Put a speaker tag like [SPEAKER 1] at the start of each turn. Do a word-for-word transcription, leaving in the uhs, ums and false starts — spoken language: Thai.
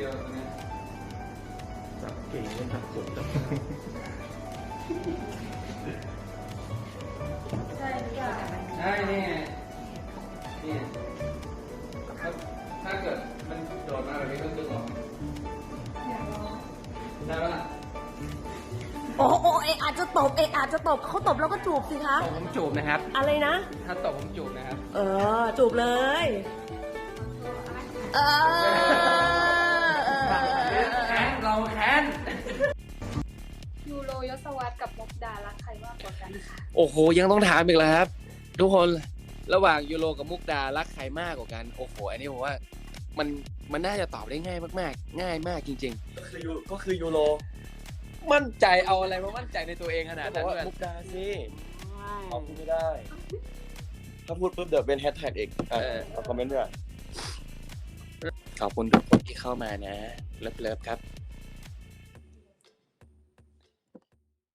[SPEAKER 1] ยวตรงนี้
[SPEAKER 2] จับเก่งเลยจับสุดจับ
[SPEAKER 3] ใช่หรือเปล่า
[SPEAKER 1] ใช่นี่ไงนี่ถ้าถ้าเกิดมันโดดมาแบบนี้ก็ดึงออก
[SPEAKER 3] อยากลอง
[SPEAKER 1] ได้ปะล่ะ
[SPEAKER 4] โอ้โอ้เออาจจะตบเออาจจะตบเขาตบแล้วก็จูบสิคะ
[SPEAKER 1] ตบผมจูบนะครับ
[SPEAKER 4] อะไรนะ
[SPEAKER 1] ถ้าตบผมจูบนะครับ
[SPEAKER 4] เออ จูบเลย เออ
[SPEAKER 1] แค้นเราแค้น
[SPEAKER 3] ยูโรยศวรรษกับมุกดารักใครมากกว่ากันคะ
[SPEAKER 5] โอ้โหยังต้องถามอีกแล้วครับ ทุกคนระหว่างยูโรกับมุกดารักใครมากกว่ากันโอ้โหอันนี้ผมว่ามันมันน่าจะตอบได้ง่ายมากๆ ง่ายมากจริง
[SPEAKER 2] ก็คือยูก็คือยูโร
[SPEAKER 5] ๆ มั่นใจเอาอะไรมามั่นใจในตัวเองขนาด
[SPEAKER 2] บอ
[SPEAKER 5] นั้
[SPEAKER 2] ก
[SPEAKER 5] น
[SPEAKER 2] ว่า
[SPEAKER 5] ด้วย
[SPEAKER 2] มุกดาสิเอาพูดไม่ได้ ถ้าพูดปุ๊บเดี๋ยวเป็นแฮชแท็กอีกอ่ะเอาคอมเมนต์ด้วย
[SPEAKER 5] ขอบคุณทุกคนที่เข้ามานะเลิฟๆครับ